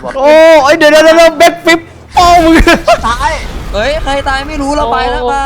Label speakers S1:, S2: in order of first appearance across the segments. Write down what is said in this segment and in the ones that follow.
S1: โอ้ยเดี๋ยวแบ็คฟิปโป้มึง
S2: ตาย
S3: เฮ้ยใครตายไม่รู้เราไปแล้วไป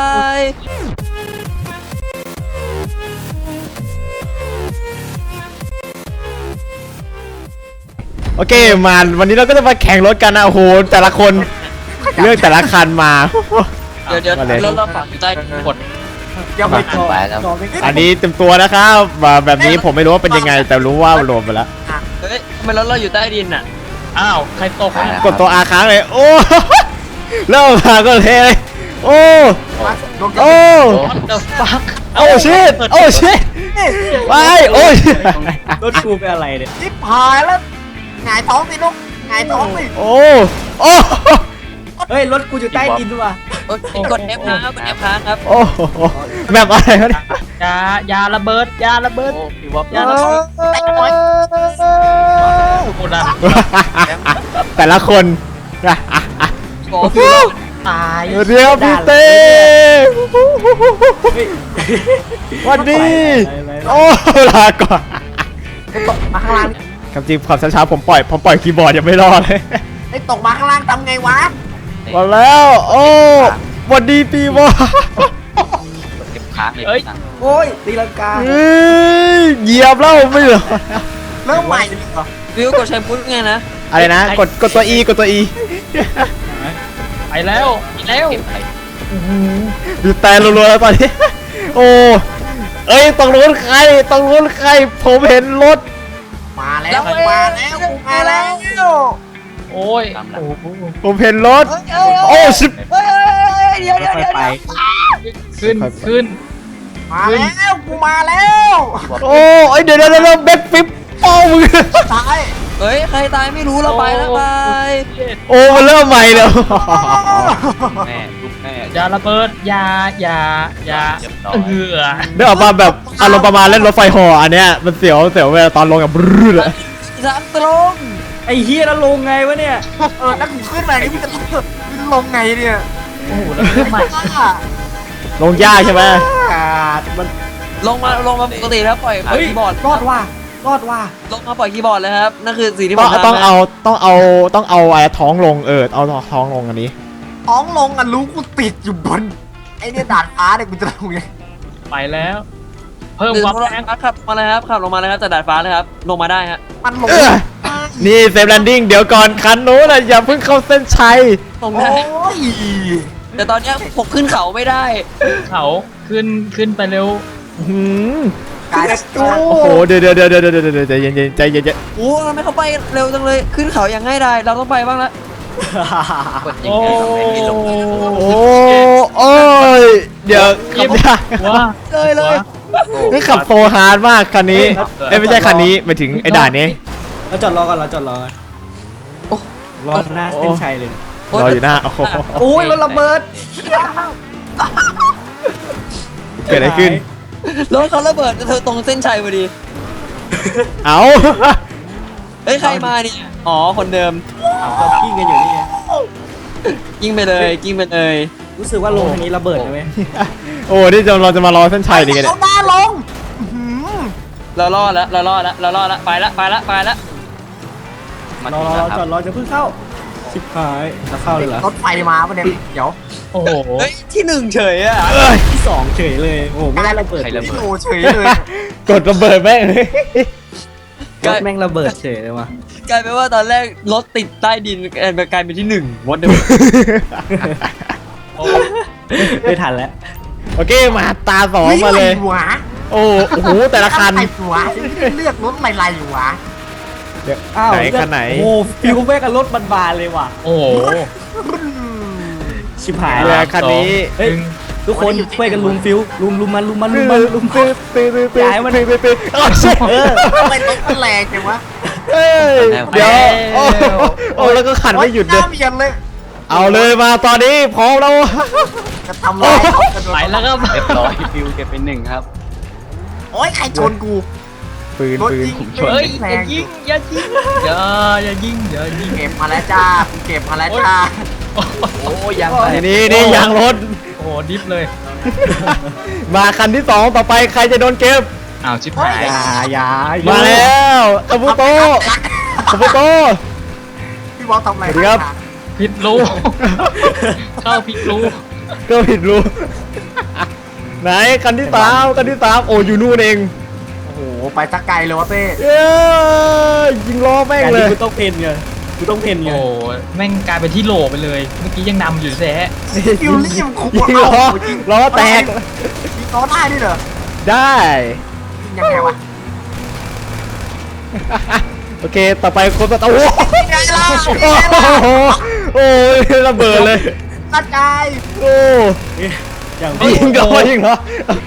S1: โอเคมาวันนี้เราก็จะมาแข่งรถกันนะโอ้โหแต่ละคนเลือกแต่ละคันมา
S3: เดี๋ยวเราฝังอยู่ใต้กด
S2: ยังไม่จบ
S1: อันนี้เต็มตัวนะครับแบบนี้ผมไม่รู้ว่าเป็นยังไงแต่รู้ว่ารวมไปแล้ว
S3: เฮ้ยทำไมเราอยู่ใต้ดินอ่ะ
S4: อ้าวใครตกเนี่ย
S1: กดตัวอาค้างเลยโอ้เริ่มมาก็เทเลยโอ้โอ้
S3: เดอะฟัก
S1: โอ้ชิตโอ้ชิตไปโอ้ย
S4: รถกูเป็นอะไรเนี่ย
S2: จิ๊บหายแล้วหงายท้องสิลูกหงายท้องสิ
S1: โอ้โอ้
S4: เฮ้ยรถกูอยู่ใต้ดินด้วยว่ะ
S3: กด F ครับกด F ครับ
S1: โอ้แบบอะไรวะเนี่ย
S4: ยาระเบิดยาระเบิด
S3: พี่วอป
S4: ยาระเบิดกูดัน
S1: แต่ละคน
S3: โอ้พี่
S4: ตาย
S1: เรียวพี่เต้วันดีโอ้ลาก่อน
S2: ตกมาข้างล่าง
S1: คำจริงความช้าๆผมปล่อยคีย์บอร์ดยังไม่รอดเลย
S2: ไอ้ตกมาข้างล่างทำไงวะ
S1: มาแล้วโอ้วันดีปีวะ
S3: เก็บค้างเลย
S4: เฮ้ยโอ้ยตีลังกา
S1: เฮ้ยเหยียบแล้วไม่เหรอ
S2: เริ่มใหม่ดิ
S3: วิวกดใช้พุทไงนะ
S1: อะไรนะกดตัว E กดตัว E
S4: ไปแล้วแล้ว
S1: ดูแต่รัวๆแล้วตอนนี้โอ้เอ้ยต้องรู้ใครผมเห็นรถ
S2: มาแล้วมาแล้ว
S4: โอ้ย
S1: ผมเห็นรถโอ้ชิบ
S3: เดี๋ยว
S4: ไปขึ้นขึ้น
S2: มาแล้วกูมาแล้ว
S1: โอ้ยเดี๋ยวแบ็คฟิปโป้มึง
S2: ตาย
S3: เฮ้ยใครตายไม่รู้เราไปแล้วไป
S1: โอ้มันเริ่มใหม่แล้ว
S3: แม่ลูกแม่
S4: ยาระเบิดยาเหือ
S1: เดี๋ยวออกมาแบบอารมณ์ประมาณเล่นรถไฟห่ออันเนี้ยมันเสียวเวลาตอนลงกับบรื้เลย
S3: ทางตรง
S4: ไอ้เฮียแล้วลงไงวะเนี่ย
S2: ถ้ากูขึ้นมานี่มึงจะลงไงเนี่ย
S4: โอ้โหแล้วขึ้นมา
S1: ลงยากใช่ไหม
S2: มัน
S3: ลงมาปกติแล้วปล่อยคีย์บอร์ด
S2: รอดว่ะ
S3: ลงมาปล่อยคีย์บอร์ดเลยครับนั่นคือสิ่งที่ผ
S1: ต้อ
S3: ม
S1: ง
S3: ทำ
S1: ต้องเอาไอ้ท้องลงเอาท้องลงอันนี้
S2: ท้องลงอ่ะรู้กูติดอยู่บนไอ้เนี่ยดาดฟ้าเนี่ยกูจะลงไง
S4: ไปแล้ว เพิ่ม
S3: คือ
S4: ความ
S3: เขา
S4: แรง
S3: ขับมาเลยครับขับลงมาเลยครับจากดาดฟ้าเลยครับลงมาได้ฮะ
S2: มันลง
S1: นี่เซฟแลนดิ้งเดี๋ยวก่อนคันนู้นนะอย่าเพิ่งเข้าเส้นชัย
S3: ลง
S2: โอ้
S3: ได้
S2: ย
S3: แต่ตอนเนี้ยผมขึ้นเขาไม่ได้
S4: เขาขึ้นไปเร็ว
S1: หืม
S2: กายจู
S1: โอ้โหเดี๋ยวใจเย็น
S3: โอ้ทำไมเขาไปเร็วจังเลยขึ้นเขาอย่างง่ายดายเราต้องไปบ้างละ
S4: โอ้
S1: โอ้ยเดี๋ยวขับยาก
S4: ว้า
S3: เลย
S1: นี่ขับโซฮาร์ดมากคันนี้ไม่ใช่คันนี้ไปถึงไอ้ด่านนี้
S4: เราจอดรอก่อนรอหน้าเส้นชัยเลย
S1: รออยู่หน้าโอ้โห
S4: โอ้ยรถระเบิด
S1: เกิดอะไรขึ้น
S3: รถเขาระเบิดเธอตรงเส้นชัยพอดี
S1: เอา
S3: เฮ้ยใครมาเนี่ยอ๋อคนเดิม
S4: เรากิ้งกันอยู่นี่ไง
S3: ยิงไปเลยยิงไปเลย
S4: รู้สึกว่าลงทางนี้ระเบิดใช่ไหม
S1: โอ้นี่เราจะมารอเส้นชัยดีกันเนี่
S2: เอา
S1: ย
S2: หน้าลง
S3: เรารอดแล้วไปละ
S4: รอจอดรอจะเพิ่งเข้าชิบหายจะเข้าเลยเหรอ
S2: รถไฟมาปะเนี่ยเดี๋ยว
S4: โอ้โห
S3: เฮ้ยที่หนึ่งเฉยอ่ะ
S4: ที่สองเฉยเลยโอ้โหไม่ได้ระเบิด
S2: โอ้เฉยเลย
S1: กดระเบิดแม่งเลย
S4: รถแม่งระเบิดเฉยเลยว่ะ
S3: กลายเป็นว่าตอนแรกรถติดใต้ดินกลายเป็นที่หนึ่งวอดเดิม
S4: ไม่ทันแล้ว
S1: โอเคมาตาสองมาเลย
S2: หวะ
S1: โอ้โหแต่ละคัน
S2: ไอ้หัวเลือกรถไรอยู่วะ
S1: เดี๋ยว
S4: อ้าว
S1: ไหนคันไหน
S4: โอ้ฟิวแม่งกับรถบานๆเลยว่ะโอ้โหชิบหาย
S1: เรือคันนี้
S4: เฮ้ยทุกคนช่วยกันลุมฟิวลุมมันย้ายมัน
S1: โอ้ชิบ
S2: ทำไมรถมันแรงจังวะ
S1: เฮ้ยเดี๋ยวโอ้แล้วก็ขันไม่หยุด
S2: ห
S1: เล
S2: น้าย เบียนเลย
S1: เอาเลยมาตอนนี้พร้อมแล้ว
S2: จะทำลาย
S4: ไปแล้วครับ
S3: เรียบร้อยฟิวเก็บไปหนึ่งครับ
S2: โอ้ยใครชนกู
S1: ปืน
S2: รถ
S1: ปืน
S2: ยิง
S4: เฮ้ย
S2: แร
S4: อย่าง ยิงอย่ายิงอย่ายิง
S2: เก็บมาแล้วจ้าเก็บมาแล้วจ้า
S3: โอ้ยัง
S1: นี่ยางรถ
S4: โอ้โหดิฟเลย
S1: มาคันที่สองต่อไปใครจะโดนเก็บ
S4: อ้าวชิบหายอย่า
S1: มาแล้วอาบุโตอาบุโต
S2: พพี่บอสทำอะไร
S1: สวัสดีครับ
S5: ผิดรู เข้าผิดรู
S1: ก็ผิดรู้ ไหนคันที่สามคันที่สามโอ้อยู่นู่นเอง
S2: โอ้โหไปสักไกลเลยวะเต้
S1: เอ้ยยิงล้อแม่ง
S4: การ
S1: เล
S4: ที่
S1: ย
S4: กูต้องเพนไงกูต้องเพนไง
S5: โอ้แม่งกลายเป็นที่โหลไปเลย เมื่อกี้ยังนำอยู่แท้
S2: คิวรี่มันคุ้ม
S1: ยิงล้อล้อแตก
S2: ยิงล้อได้ด้วยเหรอ
S1: ได้
S2: ยิงยังไงวะ
S1: โอเคต่อไปคนต่อโอ้โห
S2: ไงล่ะ
S1: โอ้ยระเบิดเลย
S2: กระจาย
S1: โอ้
S4: อย่าง
S1: ยิงล้อยิงล้อย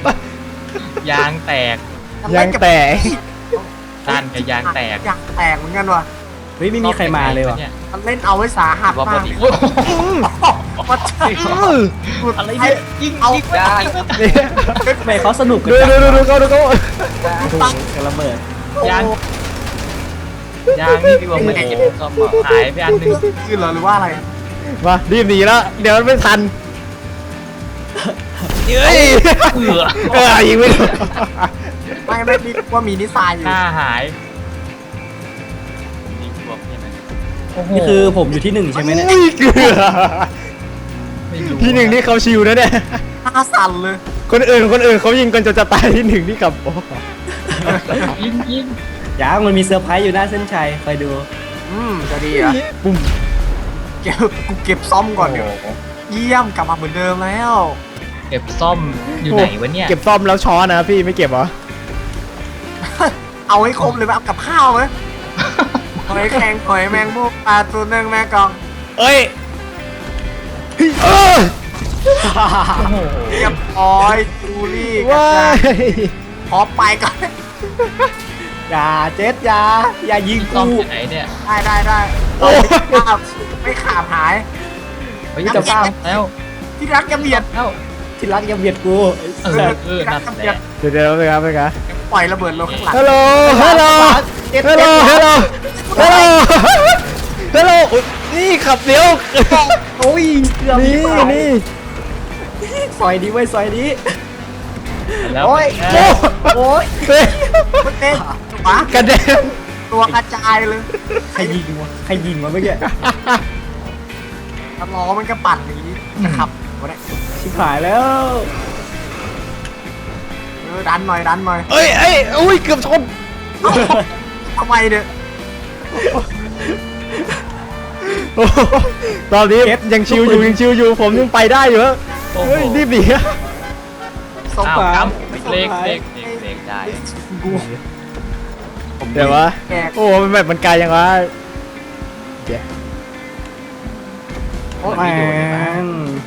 S5: างแตก
S1: ยางแตก
S5: ด้านกับยางแตก
S2: ยางแตกเหมือนกันว่ะ
S4: เฮ้ยไม่มีใครมาเลยว่ะ
S5: นี่
S2: มันเล่นเอาไว้สาหัส
S3: ว่าพ
S2: มา
S3: อก ดี
S5: โอ้โห
S2: มาใช่
S4: อะไรเนี่ย
S5: ยิง
S2: เอา
S5: ยิง
S3: ยาง
S4: ทำไมเขาสนุกกัน
S1: ดู
S4: จัง
S1: ดูเขาดูเขา
S4: โอ้โหกระเบิด
S5: ยางยางนี่พี่บอกไม่ได้เก็บซ่อมหายไปอันหนึง
S2: ขึ้นเหรอหรือว่าอะไร
S1: มารีบหนีแล้วเดี๋ยวมันไม่ทันเฮ้ย ยิงไม่ถูก
S2: ไม่มีว่ามีนิสัยอยู่
S5: หน้าหาย
S3: ยิงบวกใช่ไหม
S5: โอ้โห
S4: นี่คือผมอยู่ที่หนึ่งใช่ไหมเนี่ย
S1: อุ้ยเกลือ
S5: ไม่รู้
S1: ที่หนึ่งนี่เขาชิวนะเนี่ย
S2: หน้าสั่นเลย
S1: คนอื่นเขายิงกันจนจะตายที่หนึ่งนี่กับโอ้
S5: ยิง
S4: ยังมันมีเซอร์ไพรส์อยู่หน้าเส้นชัยคอยดู
S2: จะดีเหรอ่ะ
S1: ปุ่ม
S2: กูเก็บซ่อมก่อนเดี๋ยวเยี่ยมกลับมาเหมือนเดิมแล้ว
S5: เก็บซ่อมอยู่ไหนวะเนี่ย
S1: เก็บซ่อมแล้วช้อนนะพี่ไม่เก็บเหรอ
S2: เอาให้ครบเลยไหมเอากับข้าวไหมหอยแข็งหอยแมงมุกปลาตัวหนึ่งแม่กอง
S1: เอ้ยเออ
S5: โอ้โห
S2: เรียบร้อยจูรี่กระ
S1: ว้า
S2: จาย
S1: ย
S2: ขอไปก่อน
S4: อย่าเจ็ดอย่ายิง
S5: ซ่อม
S4: กู
S5: อยู่ไหนเนี่ย
S2: ได้ไม่ขาดหาย
S5: เฮ้ยจะซ่อมแล้ว
S2: ที่รักจะเบียด
S5: แล้ว
S4: ที่รักอย่าเบียดกู
S5: นั่นแหละ
S1: เดี๋ยวครับไปครับ
S2: ปล่อยระเบิดลงข้างหลัง
S1: ฮัลโหลฮัลโหลฮัลโหลฮัลโหลฮัลโหลฮัลโหลนี่ขับเดี๋ยว
S4: โอ้ยเกือบ
S1: นี่นี่
S4: ซอยนี้ไว้ซอยนี้
S5: แล้ว
S2: โอ้ย
S1: โอ้
S2: โอ้ย
S1: เฮ้ย
S2: มันเต้นหมาก
S1: ระเด็น
S2: ตัวกระจายเลย
S4: ใครยิงวะใครยิงวะเมื่อกี้
S2: ตะล้อมันก็ปั่นอย่างนี้นะครับวะเนี่ย
S4: ชิบหายแล้ว
S2: ดันหน่อยดันหน่อย
S1: เอ้ยเอ้ยอุ้ยเกือบชน
S2: ทำไมเนี่ย
S1: โอ้ตอนนี้ยังชิวอยู่ยังชิวอยู่ผมยังไปได้อยู่ฮะ
S5: โอ้โห
S1: เฮ้ยรีบหนี
S2: สง
S5: อ้าว
S2: สาร
S5: ครับเล็กเล็ก
S3: เล็กได้
S2: กู
S1: เดี๋ยววะ
S2: แก
S1: โอ้มันแบบมันไกลยังวะเดี๋ยว
S2: โอ้
S4: แม่ง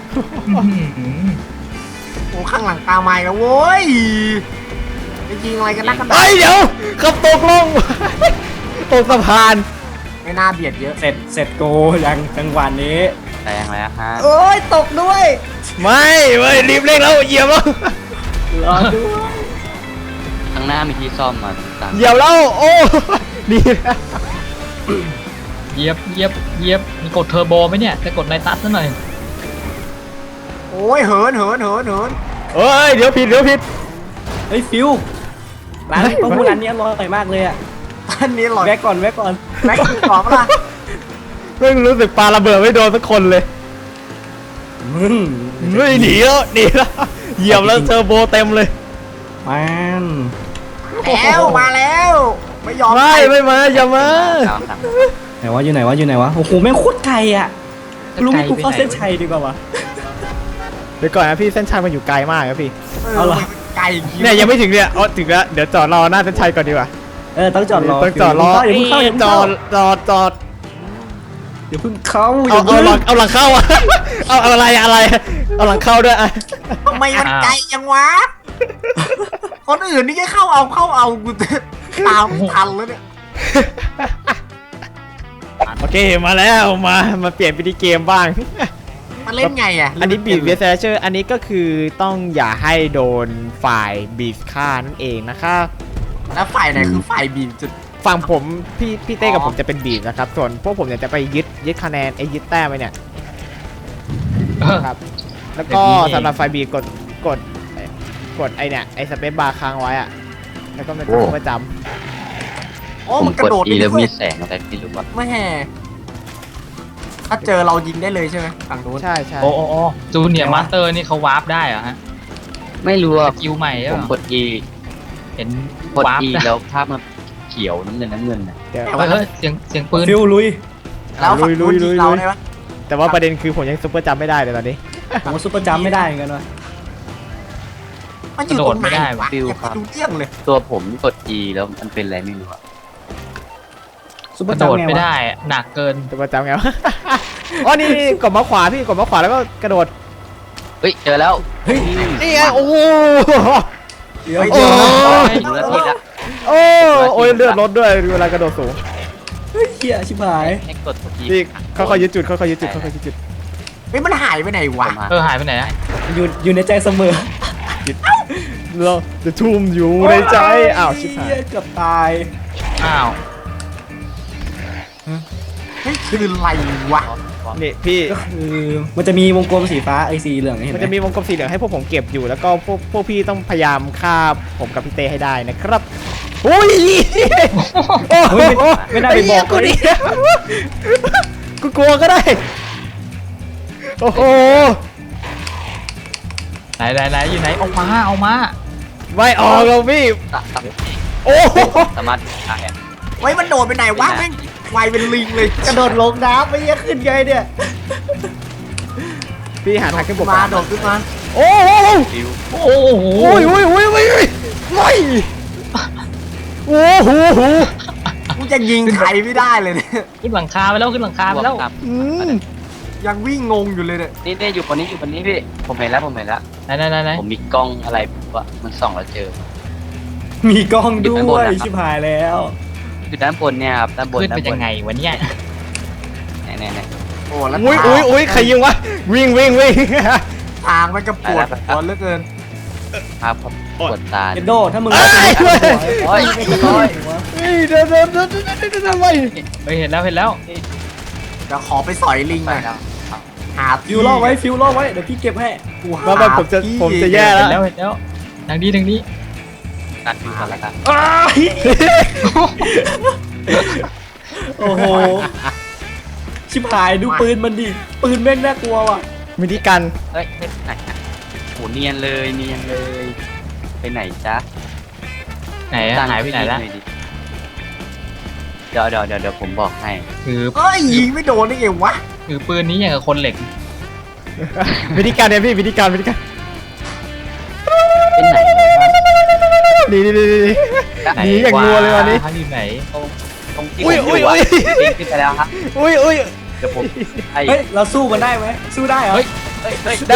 S2: โหข้างหลังตามมาอีกแล้วโว้ยจะยิงอะไรกันนักกันหนา
S1: เฮ้ยเดี๋ยวขับตกลง ตกสะพาน
S2: ไม่น่าเบียดเยอะ
S4: เสร็จโกยังจังหวะนี้
S3: แรงแล้วฮะ
S4: โอ้ยตกด้วย
S1: ไม่เว้ยรีบเร่งแล้วเหยียบแล้ว
S4: รอด้วย
S3: ข้างหน้ามีที่ซ่อมมาต่าง
S1: เหยียบแล้วโอ้ดีนะ
S5: เหยียบมีกดเทอร์โบไหมเนี่ยจะกดในตัดซะหน่อย
S2: โอ้ยเหิน
S1: เอ้ยเดี๋ยวผิด
S4: เฮ้ยฟิวร้านต้องพูดร้านนี้อร่อยมากเลยอ่ะ
S2: อันนี้หลอย
S4: แวะก่อน
S2: แม็กซ์ตอบปะล่ะ
S1: เพิ่งรู้สึกปาระเบิดไม่โดนสักคนเลย
S4: มึง
S1: ไม่หนีแล้วเหยียบแล้วเทอร์โบเต็มเลย
S4: มัน
S2: แล้วมาแล้ว ไม่ยอม
S1: ไม่มาอย่ามา
S3: ตามต่าง
S4: ไหนวะอยู่ไหนวะโอ้โหแม่งโคตรไกลอ่ะรู้ไหมกูเข้าเส้นชัยดีกว่าวะ
S1: เดี๋ยวก่อนนะพี่เส้นชัยมันอยู่ไกลมากครับพี่
S4: เอาเหรอ
S2: ไก่
S1: เนี่ยยังไม่ถึงเนี่ยอ๋อถึงแล้วเดี๋ยวจอดรอหน้าเส้นชัยก่อนดีกว่า
S4: ต้องจอดรอ
S1: ต้องจอดรอ
S4: อย่าเพิ่งเข้าอย่าเพิ่ง
S1: จ
S4: เข้า
S1: อด
S4: อย่าเพิ่งเข้า
S1: เอาหลังเข้าอะเอาอะไรเอาหลังเข้าด้วยอะ
S2: ทำไมมันไกลยังวะ คนอื่นนี่แค่เข้าเอากูตามทันแล้วเนี่ย
S1: โอเคมาแล้วมาเปลี่ยนวิธีเกมบ้าง
S2: มันเล่นไงอ่ะ
S1: อันนี้บีดเวสเชอร์อันนี้ก็คือต้องอย่าให้โดนฝ่ายบีดฆ่านั่นเองนะคะ
S2: แล้วฝ่ายไหนคือฝ่ายบีบจุด
S1: ฝั่งผมพี่เต้กับ
S2: อ๋อ
S1: ผมจะเป็นบีดนะครับส่วนพวกผมเนี่ยจะไปยึดคะแนนยึดแต้มไปเนี่ยครับแล้วก็สำหรับฝ่ายบีดกดไอเนี่ยไอสเปซบาร์ค้างไว้อะแล้วก็มันจะประจ
S2: โอ้
S3: ผม
S2: มันก
S3: ก
S2: ระ
S3: ด
S2: โดด
S3: E แล้ว
S2: ด้ว
S3: มี
S2: ย
S3: แสงอะไรไม่รู้ว่า
S2: ไม่แห่ถ้าเจอเรายิงได้เลยใช่ไหมฝั่งนู้น
S1: ใช่ใช่
S5: โอ้จูเนียร์มาสเตอร์นี่เขาวาร์ปได้เหรอฮะ
S3: ไม่รู้
S5: ส
S3: อ่ะ
S5: กิลใหม่ใช่
S3: ผ
S5: ไห
S3: ม
S5: ม
S3: กด E
S5: เห็น
S3: กด
S5: วาร์ป
S3: E
S5: ได้
S3: แล้วภาพมันเขียวน้ำเงินน่ะ
S1: เดี๋ยว
S5: เฮ้ยเสียงปืน
S4: ฟิวลุย
S2: แล้วฝั่งนู้น
S1: ลุ
S2: ยิ
S1: ย
S2: ง
S1: ๆ
S2: เราได้ปะ
S1: แต่ว่าประเด็นคือผมยังซุปเปอร์จำไม่ได้เลยตอนนี้
S4: ผมว่าซุปเปอร์จัมป์ไม่ได้เหมือนกันวะ
S2: มันอยู่ตรงไหนวะ
S3: ฟิว
S2: ยัง
S3: ครับ
S2: ไม่รู้เรื่องเลย
S3: ตัวผมกด E แล้วมันเป็นอะไรไม่รู้อะ
S4: ซุปเป
S5: ก
S4: อร์
S5: ระ
S4: จั
S5: โด
S4: ม
S5: ด
S4: ป์ไง
S5: ไม่
S4: วะ
S5: ได้หนักเกิน
S1: ซุปเปอร์จำไงวะ อ๋อนี่กดมาขวาพี่กดมาขวาแล้วก็กระโดด
S3: เฮ้ยเจอแล้ว
S4: เฮ้ย
S1: นี่ไงโอ้โห
S4: เดี๋ยว
S2: เฮ้ย
S1: โอ้
S2: เดี๋ยว
S3: ดูนาทีละ
S1: โอ้ยเลือดลดด้วยเวลากระโดดสูง
S4: เฮ้ยเหี้ยชิบหาย
S3: ให้กด E
S1: พี่ค่อยๆยึดจุดค่อยๆยึดจุดค่อยๆยึดจุด
S2: เฮ้ยมันหายไปไหนวะ
S5: หายไปไหนอะ
S4: อยู่ในใจเสมอ
S1: เราจะทุ่มอยู่ในใจอ้าวชิบหาย
S4: เหี้เกือบตาย
S5: อ้าว
S2: เฮ้ยคืออะไรวะ
S1: นี่พี่
S4: ก็คือมันจะมีวงกลมสีฟ้าไอสีเหลืองเห็น
S1: มัน
S4: ไหม
S1: จะมีวงกลมสีเหลืองให้พวกผมเก็บอยู่แล้วก็พวกพี่ต้องพยายามฆ่าผมกับพี่เต้ให้ได้นะครับอุ้ยโอ้โห
S4: เฮ้ยไม่น่าไปบอก
S1: กู
S4: เลย
S1: ดิกูกลัวก็ได้โอ้โห
S5: ไหนอยู่ไหนเอามา
S1: ไม่ออกแล้วพี่โอ้โห
S3: สามารถได้อะ
S2: เฮ้ยมันโดดไปไหนวะแม่งไวเป็นลิงเลย
S4: กระโดดลงน้ำไม่ยังขึ้นไงเนี่ย
S1: พี่หาทางขึ้นบก
S2: มาโดดขึ้นมา
S1: โอ้โห
S3: ฟิว
S5: โอ้โห
S1: โอ้ยโอ้ยโอ้ยโอ้ยโอ้ยโอ้โห
S2: กูจะยิงใครไม่ได้เลยเนี่ย
S5: ขึ้นหลังคาไปแล้วขึ้นหลังคาไปแล้ว
S3: ครับ
S1: อืม
S2: ยังวิ่งงงอยู่เลยเนี่ย
S3: นี่อยู่คนนี้พี่ผมเห็นแล้ว
S5: ไหน
S3: ผมมีกล้องอะไรวะมันส่องแล้วเจอ
S4: มีกล้องด้
S3: อยู่ข้างบ
S4: วน ย
S3: นะครับ
S4: ชิบหายแล้ว
S3: คือด้านบนเนี่ยครับด้านบน
S5: ขึ้นเป็นยังไงวะเนี่ย
S3: ไหน
S2: โอ้แล้ว
S1: อุ้ยอุ้ยอุ้ยใครยิงวะวิ่งวิ่งวิ่ง
S2: ทางมันก็ปวดหัวเหลือเกิน
S3: ครับปวดตา
S4: เอนโดถ้ามึง
S1: เอ้ย
S3: โอ้ย
S1: เฮ้ยเดินไป
S5: เฮ้ยเห็นแล้ว
S2: เดี๋ยวขอไปสอยลิงห
S3: ไป
S2: น่อย
S3: แล้ว
S2: หา
S4: ฟิวล่อไว้ฟิวล่อไว้เดี๋ยวพี่เก็บให้
S2: กูหา
S1: มาผมจะแย่
S5: เห็น
S1: แล้
S5: แล้ว วทางนี้
S3: ตัดดูก่อนละกัน
S4: โอ้โหชิบหายดูปืนมันดิปืนแม่งน่ากลัวว่ะ
S1: วิธีการ
S3: เฮ้ยไหนโหเนียนเลยไปไหนจ๊ะ
S5: ไหนอะหายไปไหนละ
S3: เดี๋ยวผมบอกให้
S5: คือ
S2: เอ้ยยิงไม่โดนได้ไงวะ
S5: คือปืนนี้อย่างกับคนเหล็ก
S1: วิธีการเนี่ยพี่วิธีการ
S3: เป็นไหน
S1: นี่หนีอย่างงัวเลยวันนี้
S5: ทางอยู่ไหน
S3: ตรงที่
S1: อุ้ย
S3: ผม
S1: อุ้ย
S3: อยู่
S1: อุ้
S3: อะ
S1: ย
S3: ปีนขึ้นไปแล้วครับ
S1: อุ้ยอุ้ย
S3: เดี๋ยวผมไอ้
S4: เฮ้ยเราสู้มันได้ไหมสู้ได้เหรอ
S5: เฮ้ย
S1: ได้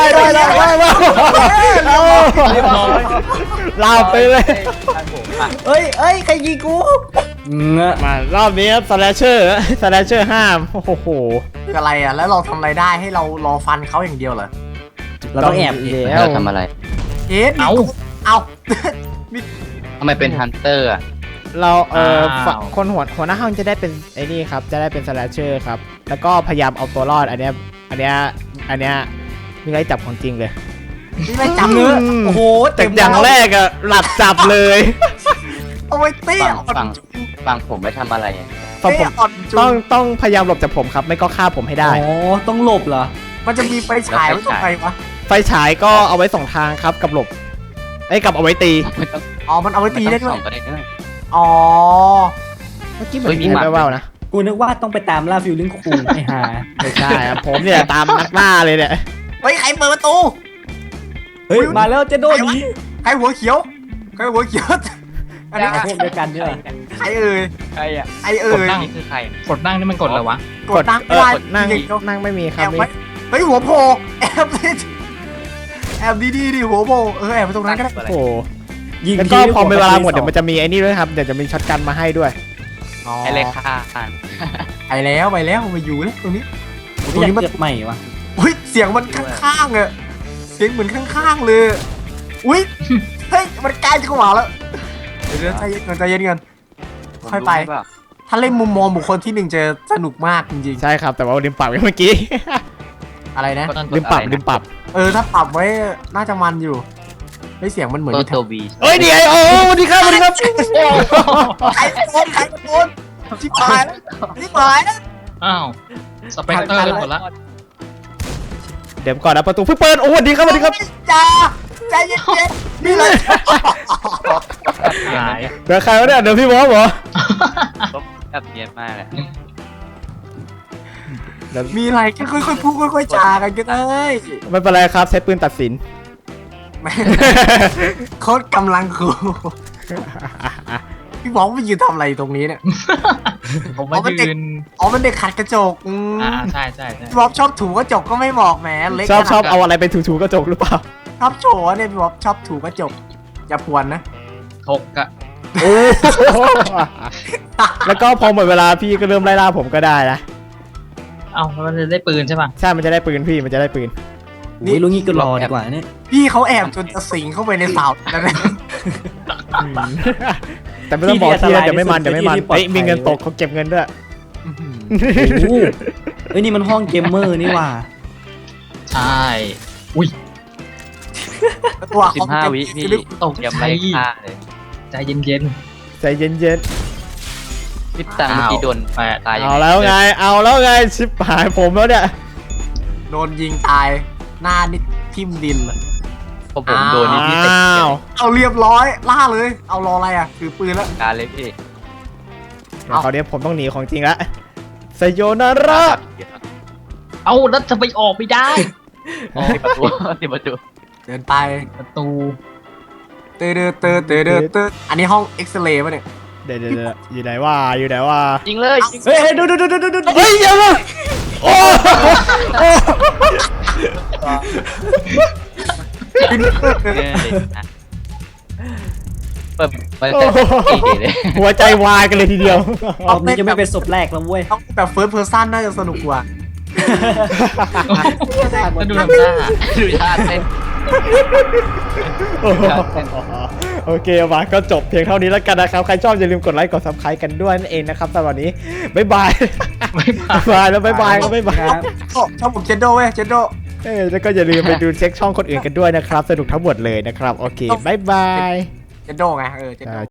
S1: ลาไปเลย
S4: เอ้ยใครยิงกูเงอะ
S1: มารอบนี้ครับสแลชเชอร์ห้ามโอ้โห
S2: คืออะไรอ่ะแล้วเราทำอะไรได้ให้เรารอฟันเขาอย่างเดียวเหรอ
S4: เราต้องแอบดิ
S1: แล้ว
S3: เราทำอะไร
S2: เอ๊ะ
S5: เอา
S2: เอา
S3: ทำไมเป็นฮันเตอร์อะ
S1: เรา
S5: อ้าว
S1: คนหัวหน้าห้องจะได้เป็นไอ้นี่ครับจะได้เป็นสแลชเชอร์ครับแล้วก็พยายามเอาตัวรอดอันเนี้ยมีอะไรจับของจริงเลย
S2: นี่ไม่จำ
S4: เนื้
S2: เนื้
S4: อ
S2: อ
S4: โอ้โห
S1: แต่
S4: เต็ม
S1: อย่างแรกอะหลับจับเลย
S2: เอาไว้เตี้ยอ่อน
S3: ฟังผมไม่ทำอะไรอะ
S1: ฝั่งผม
S2: เตี้ยอ่อนจุ
S1: ต้องพยายามหลบจากผมครับไม่ก็ฆ่าผมให้ได้
S4: อ๋อต้องหลบเหรอ
S2: มันจะมีไฟฉายไว้ตรงไหนวะ
S1: ไฟฉายก็เอาไว้2ทางครับกับหลบกับเอาไว้ตี
S3: ไม่ต้อง
S2: อ๋อมันเอาไว้ตีได้ด้ว
S3: ส่
S2: ย
S3: องก็ได้ด้วย
S2: อ๋อ
S1: เมื่อกี้เหมือ
S3: เฮ้ย
S1: น
S3: มี
S1: มี
S3: หมัด
S1: แว่วๆนะ
S4: กูนึกว่าต้องไปตามล่าฟิลลิ่งคูไอ้ห่า
S1: ไม่ใช่ครับผมเนี่ยตามนักล่าเลยเนี่ย
S2: เฮ้ยใครเปิดประตู
S4: เฮ้ยมาแล้วเจะโดนนี้
S2: ใครหัวเขียวใครหัวเขียวอันนี้
S4: พวกเดียวกันเนี่ย
S2: ใครเอ่ย
S3: ใครอ่ะ
S2: ใครเอ่ย
S3: นี่คือใคร
S5: กดนั่งนี่มันกดอะไรวะ
S2: กดนั่งไม่ได้
S1: นั่ง
S2: จริงๆ
S1: นั่งไม่มีค
S2: แอ
S1: รับบ
S2: ไว้เฮ้ยหัวโผล่แอบดิแอบดีดิหัวโผล่แอบไปตรงนั้นก็ได้
S1: โอ้โห
S4: ยิง
S1: แล้วก็พอเวลาหมดเดี๋ยวมันจะมีไอ้นี่ด้วยครับเดี๋ยวจะมีช็อตกันมาให้ด้วย
S3: ไอเลขาอ่าน
S2: ไปแล้วมาอยู่แล้วตรงนี้
S4: ผมอยากเกิดใหม่วะ
S2: อุ้ยเสียงมันข้างๆอะเสียงเหมือนข้างๆเลยอุ้ยเฮ้ยมันใกล้จะเข้ามาแล้วเดี๋ยวใจเย็นกัน ค่อยไป ถ้าเล่นมุมมองบุคคลที่หนึ่งจะสนุกมากจริง
S1: ใช่ครับแต่ว่าลืมปรับไว้เมื่อกี้
S2: ๆอะไรนะ
S1: ลืมปรับ
S2: ถ้าปรับไว้น่าจะมันอยู่เฮ้ยเสียงมันเหมือน
S3: ตัววี
S1: เอ้ยนี่ไงโอ้สวัสดีครับ
S2: ใครโดนชิบหายแล้ว
S5: อ้าวสเปกเตอร์หมดละ
S1: เดี๋ยวก่อนนะประตูเพิ่งเปิดโอ้สวัสดีครับสวัสดีครับ
S2: จ้าใจเย็นๆนี่เลย
S5: หาย
S1: เดี๋ยวใครวะเนี่ยเดี๋ยวพี่บอสเหรอ
S3: ก็แบบเนียนมากเลย
S2: มีอะไรก็ค่อยๆพูดค่อยๆจากันก็ได้
S1: ไม่เป็นไรครับใช้ปืนตัดสิน
S2: แม่โคตรกำลังคูพี่บอกว่ายืนทำอะไรตรงนี้เนี่ย
S5: ผมมายืน
S2: อ๋อมันเด็กขัดกระจก
S5: ใช่ใช่ใช่
S2: พี่บ๊อบชอบถูกระจกก็ไม่บอกแหมเล็ก
S1: ชอบเอาอะไรไปถูๆกระจกหรือเปล่า
S2: ชอบโชว์เนี่ยพี่บ๊อบชอบถูกระจกอย่าพวนนะ
S5: ถกอะ
S1: โอ้แล้วก็พอหมดเวลาพี่ก็เริ่มไล่ล่าผมก็ได้นะ
S5: เอ้ามันจะได้ปืนใช่ป่ะ
S1: ใช่มันจะได้ปืนพี่มันจะได้ปืน
S4: นี่ลุงงี้ก็รอดีกว่าเนี่ย
S2: พี่เขาแอบจนจะสิงเข้าไปในเสาแล้วนะ
S1: แต่ไม่ต้องบอกที่นะเดี๋ยวไม่มันเฮ้ยมีเงินตกเขาเก็บเงินด้วย
S4: โอ้โหเอ้ยนี่มันห้องเกมเมอร์นี่หว่า
S5: ใช่อุ้ย
S2: ตัว
S3: 15 วิพี่
S5: ตก
S3: เตรียม
S5: ใจ
S3: ไล่ฆ่าเลย
S5: ใจเย็น
S1: ใจเย็น
S3: พี่ตังเมื่อกี้โดน
S5: แปด
S3: ตาย
S1: ๆ
S3: ยัง
S1: เอา
S3: ไง
S1: แล้วไงเอาแล้วไงชิบหายผมแล้วเนี่ย
S2: โดนยิงตายหน้านิดทิ่มดินเลย
S3: พอผมโดนนี่พี่เตะ
S1: อ้าว
S2: เอาเรียบร้อยล่าเลย เอารออะไรอ่ะถือปืนแล้ว
S3: การเลยพี่
S1: เดี๋ยวคราวนี้ผมต้องหนีของจริงละไซโยนาระ
S5: ๆเอาแล้วจะไปออกไม่ได้
S3: ติดประตูติดประตู
S2: เดินไป
S5: ประตู
S2: เตออันนี้ห้องเอ็กซเรย์ป่ะเนี่ย
S1: เดี๋ยวอยู่ไหนว่าอยู่ไหนว่า
S3: ยิงเลยยิง
S4: เฮ้ยดู
S1: เฮ้ยอย่ามาโอ้โอ้
S3: เลยนะเปิดเปิดเลย
S1: หัวใจวายกันเลยทีเดียว
S4: รอบนี้จะไม่เป็นศพแรกแล้วเว้ย
S2: ต้องแบบเฟิร์สเพอร์ซันน่าจะสนุกกว่า
S5: แล้วดูทำหน้า
S3: ดูท่าเต้น
S1: โอเคมาก็จบเพียงเท่านี้แล้วกันนะครับ ใครชอบอย่าลืมกดไลค์กด subscribe กันด้วยนั่นเองนะครับสำหรับวันนี้บ๊ายบายบ๊ายบายแล้วบ๊ายบายก็บ๊ายบาย
S2: ชอบผมเจนโดเว้ยเจนโด
S1: แล้วก็อย่าลืมไปดูเช็คช่องคนอื่นกันด้วยนะครับ สนุกทั้งหมดเลยนะครับ โอเคบ๊ายบาย
S2: เจนโดไงเจนโด